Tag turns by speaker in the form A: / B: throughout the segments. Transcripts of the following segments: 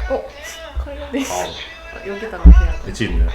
A: 칼날이 여기다가 해야 돼.
B: 엣지 있네.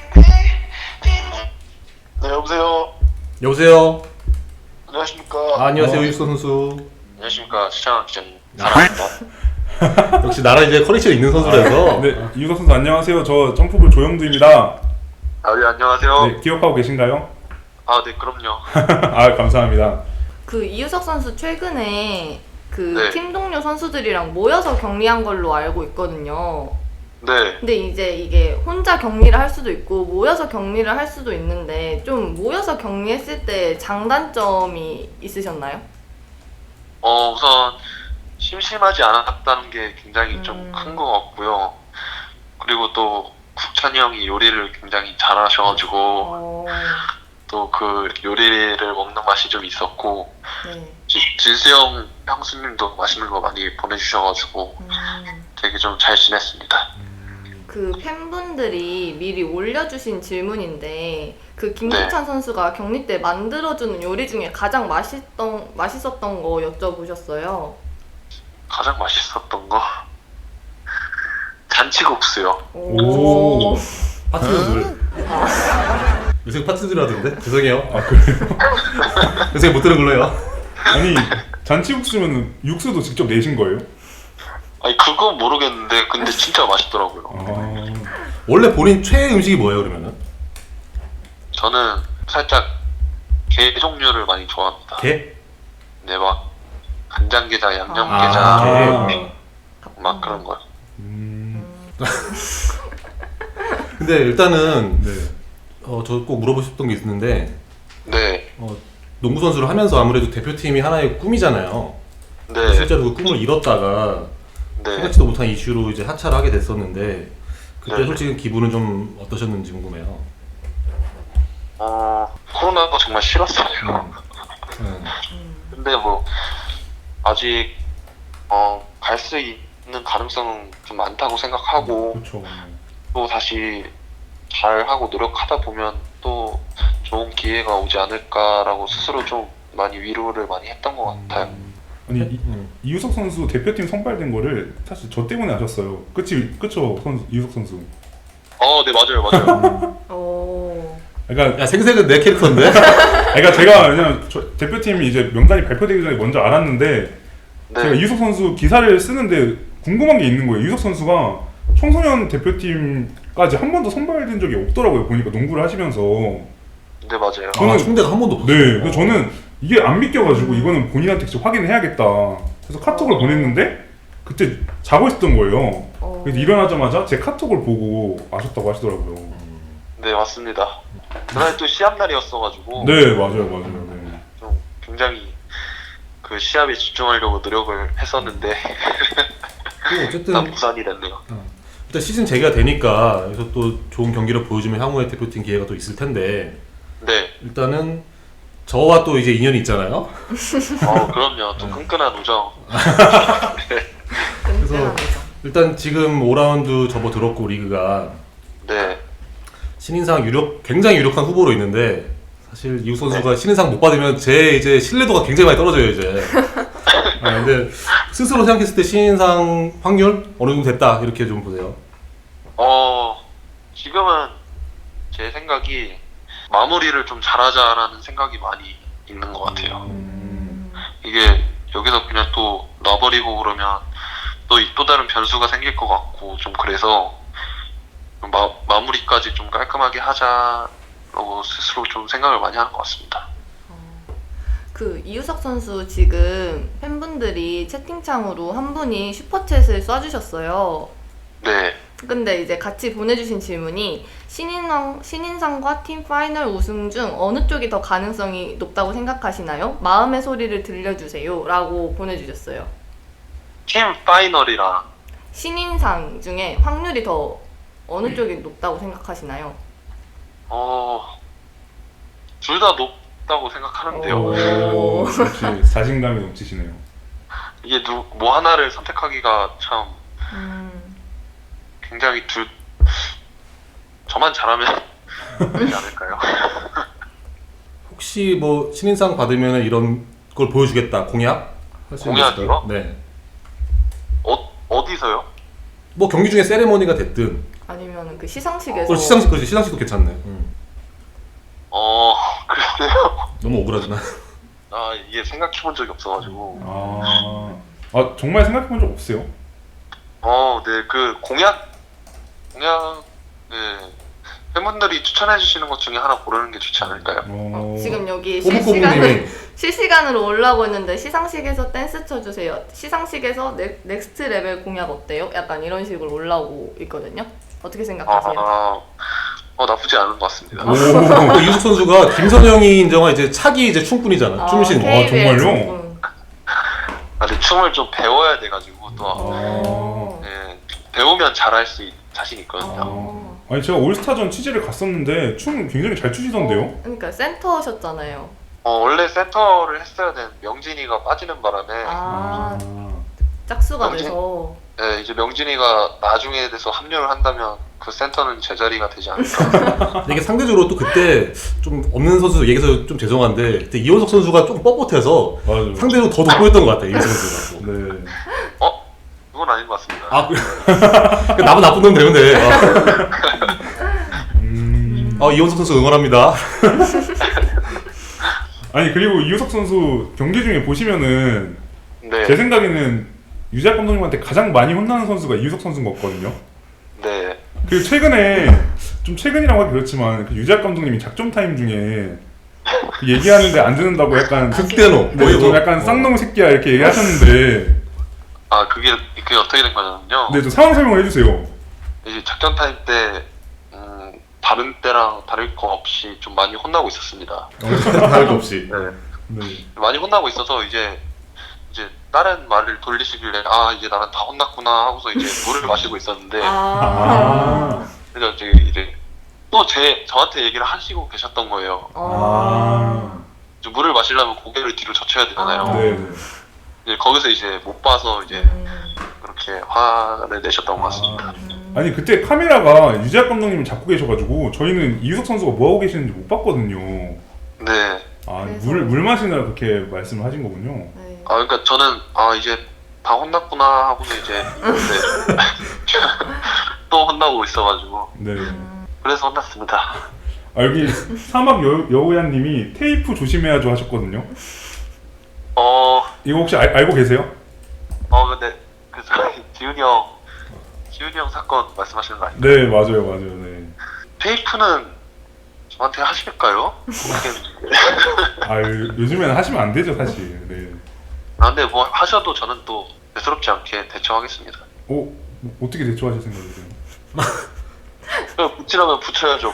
C: 네, 여보세요.
B: 여보세요.
C: 안녕하십니까.
B: 안녕하세요, 유익서 선수.
C: 안녕하십니까. 시창 기자님. 사랑합니다.
B: 역시 나라 이제 커넥션 있는 선수라서.
D: 네, 이유석 선수 안녕하세요. 저 점프볼 조영두입니다.
C: 아, 네, 안녕하세요.
D: 네, 기억하고 계신가요?
C: 아, 네, 그럼요.
D: 아, 감사합니다.
A: 그 이유석 선수 최근에 그
C: 네.
A: 팀 동료 선수들이랑 모여서 격리한 걸로 알고 있거든요.
C: 네.
A: 근데 이제 이게 혼자 격리를 할 수도 있고 모여서 격리를 할 수도 있는데 좀 모여서 격리했을 때 장단점이 있으셨나요?
C: 우선 심심하지 않았다는 게 굉장히 좀 큰 것 같고요. 그리고 또 국찬이 형이 요리를 굉장히 잘하셔가지고
A: 어,
C: 또 그 요리를 먹는 맛이 좀 있었고,
A: 네.
C: 진수 형 형수님도 맛있는 거 많이 보내주셔가지고 되게 좀 잘 지냈습니다.
A: 그 팬분들이 미리 올려주신 질문인데 그 김기찬 선수가 격리 때 만들어주는 요리 중에 가장 맛있었던 거 여쭤보셨어요.
C: 가장 맛있었던 거 잔치국수요.
A: 오.
B: 파트너들. 요새 파트너들 하던데? 죄송해요.
D: 아, 그래요?
B: 요새 못 들은 걸로 해요.
D: 아니, 잔치국수면 육수도 직접 내신 거예요?
C: 아니 그건 모르겠는데 근데 진짜 맛있더라고요.
D: 아,
B: 원래 본인 최애 음식이 뭐예요, 그러면은?
C: 저는 살짝 게 종류를 많이 좋아합니다.
B: 게?
C: 네, 막 간장게장,
B: 아,
C: 양념게장
B: 게.
C: 막 그런 거요.
B: 근데 일단은
D: 네.
B: 저 꼭 물어보고 싶던 게 있는데
C: 네,
B: 농구 선수를 하면서 아무래도 대표팀이 하나의 꿈이잖아요.
C: 네,
B: 실제로 그 꿈을 이뤘다가
C: 네.
B: 생각지도 못한 이슈로 이제 하차를 하게 됐었는데 그때
C: 네.
B: 솔직히 기분은 좀 어떠셨는지 궁금해요.
C: 코로나가 정말 싫었어요.
B: 음.
C: 근데 뭐 아직 갈 수 있는 가능성은 좀 많다고 생각하고
D: 그렇죠.
C: 또 다시 잘하고 노력하다 보면 또 좋은 기회가 오지 않을까라고 스스로 좀 많이 위로를 많이 했던 것 같아요.
D: 아니,
B: 음.
D: 이유석 선수 대표팀 선발된 거를 사실 저 때문에 아셨어요. 그쵸, 이유석 선수.
C: 네, 맞아요, 맞아요.
A: 오.
D: 그러니까,
B: 야, 생색은 내 캐릭터인데?
D: 그러니까 제가 왜냐면 대표팀이 이제 명단이 발표되기 전에 먼저 알았는데 제가
C: 네,
D: 이유석 선수 기사를 쓰는데 궁금한 게 있는 거예요. 이유석 선수가 청소년 대표팀까지 한 번도 선발된 적이 없더라고요. 보니까 농구를 하시면서.
C: 네, 맞아요.
B: 아, 충대가 한 번도 없었어.
D: 네, 그래서 저는 이게 안 믿겨가지고 이거는 본인한테 직접 확인을 해야겠다. 그래서 카톡을 보냈는데 그때 자고 있었던 거예요. 그래서 일어나자마자 제 카톡을 보고 아셨다고 하시더라고요.
C: 네, 맞습니다. 그날 또 시합 날이었어가지고
D: 네, 맞아요. 네.
C: 좀 굉장히 그 시합에 집중하려고 노력을 했었는데
B: 그리고 어쨌든
C: 다 무산이 됐네요.
B: 일단 시즌 재개가 되니까 여기서 또 좋은 경기를 보여주면 향후에 대표팀 기회가 또 있을 텐데
C: 네,
B: 일단은 저와 또 이제 인연이 있잖아요.
C: 그럼요. 또 끈끈한 우정.
B: 그래서 일단 지금 5라운드 접어들었고 리그가
C: 네,
B: 신인상 굉장히 유력한 후보로 있는데 사실 이우 선수가 신인상 못 받으면 제 이제 신뢰도가 굉장히 많이 떨어져요 이제. 근데 스스로 생각했을 때 신인상 확률 어느 정도 됐다 이렇게 좀 보세요.
C: 지금은 제 생각이 마무리를 좀 잘하자라는 생각이 많이 있는 것 같아요. 이게 여기서 그냥 또 놔버리고 그러면 또 다른 변수가 생길 것 같고 좀 그래서 마무리까지 좀 깔끔하게 하자라고 스스로 좀 생각을 많이 하는 것 같습니다.
A: 그 이유석 선수 지금 팬분들이 채팅창으로 한 분이 슈퍼챗을 쏴주셨어요.
C: 네,
A: 근데 이제 같이 보내주신 질문이 신인상과 팀 파이널 우승 중 어느 쪽이 더 가능성이 높다고 생각하시나요? 마음의 소리를 들려주세요 라고 보내주셨어요.
C: 팀 파이널이랑
A: 신인상 중에 확률이 더 어느 쪽이 높다고 생각하시나요?
C: 둘 다 높다고 생각하는데요.
A: 오.
D: 역시 자신감이 넘치시네요.
C: 이게 뭐 하나를 선택하기가 참 굉장히 저만 잘하면 되지 않을까요?
B: 혹시 뭐 신인상 받으면 이런 걸 보여주겠다 공약? 할수 있는 거 있을까요?
C: 공약이요?
B: 네.
C: 어디서요?
B: 뭐 경기 중에 세레머니가 됐든
A: 아니면 그 시상식에서
B: 시상식 그렇지 시상식도 괜찮네.
C: 글쎄요.
B: 너무 억울하잖아.
C: 아, 이게 생각해본 적이 없어가지고.
D: 정말 생각해본 적 없어요?
C: 네, 그 공약, 네. 팬분들이 추천해주시는 것 중에 하나 고르는 게 좋지 않을까요?
A: 지금 여기
B: 꼬북꼬북님이
A: 실시간으로 올라오고 있는데 시상식에서 댄스 쳐주세요. 시상식에서 넥스트 레벨 공약 어때요? 약간 이런 식으로 올라오고 있거든요. 어떻게 생각하세요?
C: 나쁘지 않은 것 같습니다.
B: 또 이우석 선수가 김선영이 인정한 이제 차기 이제 춤꾼이잖아. 춤신.
A: KBL
D: 정말요?
A: 춤꾼.
C: 근데 춤을 좀 배워야 돼가지고 또 네, 배우면 잘할 수 자신 있거든요.
D: 아니 제가 올스타전 취재를 갔었는데 춤 굉장히 잘 추시던데요?
A: 그러니까 센터셨잖아요.
C: 원래 센터를 했어야 된 명진이가 빠지는 바람에
A: 짝수가
C: 명진?
A: 돼서
C: 네, 이제 명진이가 나중에 돼서 합류를 한다면 그 센터는 제 자리가 되지 않을까.
B: 근데 이게 상대적으로 또 그때 좀 없는 선수 얘기해서 좀 죄송한데 그때 이원석 선수가 좀 뻣뻣해서
D: 맞아요.
B: 상대로 더 돋보였던 것 같아요. 이우석 선수가.
D: 네.
C: 그건 아닌 것 같습니다.
B: 나만 나쁜 놈 되는데. 이원석 선수 응원합니다.
D: 아니 그리고 이우석 선수 경기 중에 보시면은
C: 네.
D: 제 생각에는 유재학 감독님한테 가장 많이 혼나는 선수가 이우석 선수인 것 같거든요.
C: 네.
D: 그리고 최근에 좀 최근이라고 하기 그렇지만 그 유재학 감독님이 작전 타임 중에 그 얘기하는데 안 듣는다고 약간
B: 극대노.
D: 좀 약간 쌍놈 새끼야 이렇게 얘기하셨는데
C: 그게 어떻게 된 거냐면요.
D: 네, 좀 상황 설명을 해주세요.
C: 이제 작전 타임 때 다른 때랑 다를 거 없이 좀 많이 혼나고 있었습니다.
B: 다를 거 없이.
C: 네.
D: 네.
C: 많이 혼나고 있어서 이제 다른 말을 돌리시길래 이제 나는 다 혼났구나 하고서 이제 물을 마시고 있었는데 그래서 이제 또 저한테 얘기를 하시고 계셨던 거예요. 이제 물을 마시려면 고개를 뒤로 젖혀야 되잖아요.
D: 네.
C: 이제 거기서 이제 못 봐서 이제 그렇게 화를 내셨던 것 같습니다.
D: 아니 그때 카메라가 유재학 감독님을 잡고 계셔가지고 저희는 이우석 선수가 뭐 하고 계시는지 못 봤거든요.
C: 네.
D: 물 마시느라 그렇게 말씀을 하신 거군요.
A: 네.
C: 그러니까 저는 이제 다 혼났구나 하고서 이제 네. 또 혼나고 있어가지고
D: 네.
C: 그래서 혼났습니다.
D: 여기 사막 여우야님이 테이프 조심해야죠 하셨거든요. 이거 혹시 알고 계세요?
C: 근데 지훈이 형 사건 말씀하시는 거 아니에요?
D: 네, 맞아요. 네.
C: 테이프는 저한테 하실까요?
D: 요즘에는 하시면 안 되죠, 사실. 네.
C: 근데 뭐 하셔도 저는 또 대수롭지 않게 대처하겠습니다.
D: 어떻게 대처하실 생각이세요?
C: 붙이라면 붙여야죠.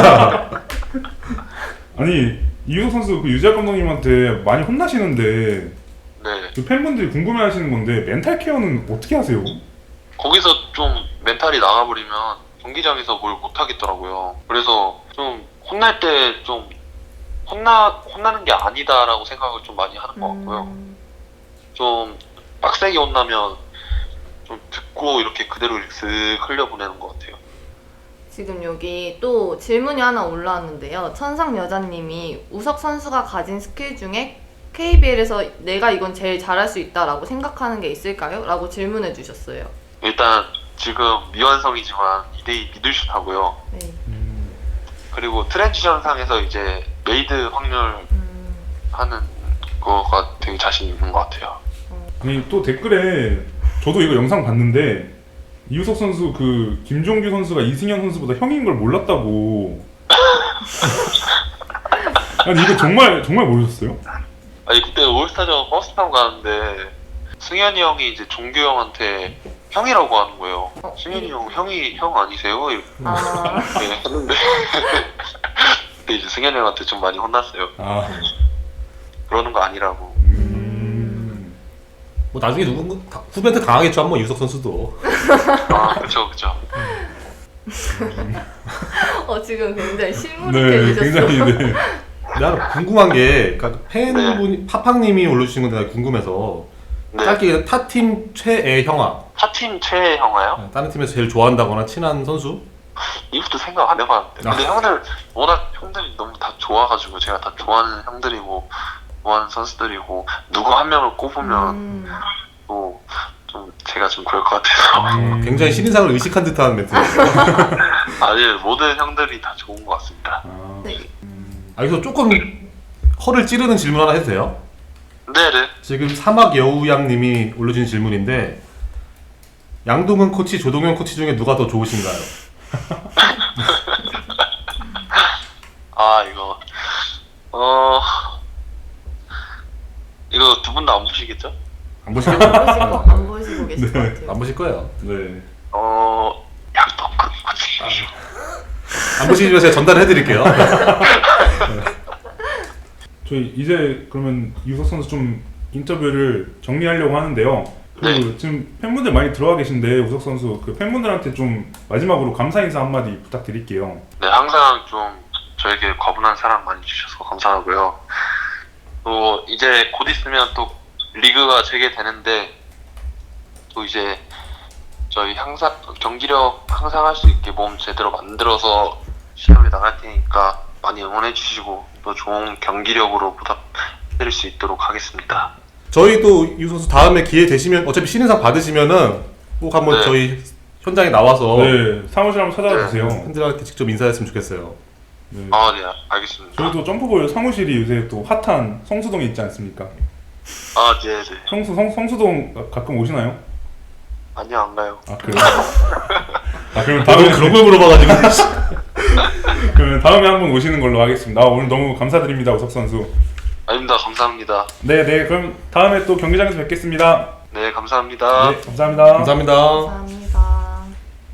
D: 아니 이우석 선수 그 유재학 감독님한테 많이 혼나시는데
C: 네.
D: 그 팬분들이 궁금해하시는 건데 멘탈 케어는 어떻게 하세요?
C: 거기서 좀 멘탈이 나가버리면 경기장에서 뭘 못하겠더라고요. 그래서 좀 혼날 때 좀 혼나는 게 아니다라고 생각을 좀 많이 하는 것 같고요. 좀 빡세게 혼나면 좀 듣고 이렇게 그대로 쓱 흘려보내는 것 같아요.
A: 지금 여기 또 질문이 하나 올라왔는데요. 천상 여자님이 우석 선수가 가진 스킬 중에 KBL에서 내가 이건 제일 잘할 수 있다라고 생각하는 게 있을까요? 라고 질문해 주셨어요.
C: 일단 지금 미완성이지만 2대2 미들슛 하고요.
A: 네.
C: 그리고 트랜지션 상에서 이제 메이드 확률 하는 거가 되게 자신 있는 것 같아요.
D: 아니 또 댓글에 저도 이거 영상 봤는데 이우석 선수 그 김종규 선수가 이승현 선수보다 형인 걸 몰랐다고. 아니 이거 정말 모르셨어요?
C: 아니 그때 올스타전 버스 타고 가는데 승현이 형이 이제 종규 형한테 형이라고 하는 거예요. 승현이 형 형 아니세요? 이렇게 했는데 그때 이제 승현이 형한테 좀 많이 혼났어요. 그러는 거 아니라고.
B: 뭐 나중에 후배한테 당하겠죠 한번 이우석 선수도.
C: 그쵸.
A: 지금 굉장히
D: 네,
A: 실물해주셨어요.
D: 굉장히 네.
B: 내가 궁금한 게 그러니까 팬분이 파팡님이 올려주신 건데 내가 궁금해서
C: 네.
B: 짧게 타팀 최애 형아.
C: 타팀 최애 형아요?
B: 다른 팀에서 제일 좋아한다거나 친한 선수?
C: 이것도 생각 안 해봤는데. 근데 워낙 형들이 너무 다 좋아가지고 제가 다 좋아하는 형들이고 좋아하는 선수들이고 누구 한 명을 꼽으면 또 좀 제가 좀 그럴 것 같아서.
B: 굉장히 신인상을 의식한 듯한 멘트였어요.
C: 아니 모든 형들이 다 좋은 것 같습니다.
A: 네.
B: 여기서 조금 허를 찌르는 질문 하나 해도 돼요?
C: 네네.
B: 지금 사막 여우양님이 올려주신 질문인데 양동근 코치, 조동현 코치 중에 누가 더 좋으신가요?
C: 아 이거 이거 두 분 다 안 보시겠죠?
B: 안 보시겠죠?
A: 안 보시고 계실 것 같아요.
B: 안 보실 거예요.
D: 네.
C: 양동근 코치.
B: 안 보시면 제가 전달해 드릴게요.
D: 저희 이제 그러면 이우석 선수 좀 인터뷰를 정리하려고 하는데요. 그
C: 네.
D: 지금 팬분들 많이 들어와 계신데 우석 선수 그 팬분들한테 좀 마지막으로 감사 인사 한마디 부탁드릴게요.
C: 네, 항상 좀 저에게 과분한 사랑 많이 주셔서 감사하고요. 또 이제 곧 있으면 또 리그가 재개되는데 또 이제 저희 항상 경기력 항상 할 수 있게 몸 제대로 만들어서 시합에 나갈 테니까 많이 응원해 주시고 또 좋은 경기력으로 보답드릴 수 있도록 하겠습니다.
B: 저희도 이 선수 다음에 기회 되시면 어차피 신인상 받으시면은 꼭 한번
C: 네.
B: 저희 현장에 나와서
D: 네, 사무실 한번 찾아와 주세요.
B: 팬들한테 직접 인사했으면 좋겠어요.
D: 네.
C: 아, 네, 알겠습니다.
D: 저희도 점프볼 사무실이 요새 또 핫한 성수동에 있지 않습니까?
C: 아, 네, 네.
D: 성수동 가끔 오시나요?
C: 아니요, 안 가요.
D: 아 그래요? 아 그러면
B: 너무
D: 다음에
B: 그런 걸 물어봐가지고.
D: 그러면 다음에 한번 오시는 걸로 하겠습니다. 아, 오늘 너무 감사드립니다, 우석 선수.
C: 아닙니다. 감사합니다.
D: 네, 그럼 다음에 또 경기장에서 뵙겠습니다.
C: 네, 감사합니다.
D: 네, 감사합니다.
B: 감사합니다.
A: 감사합니다.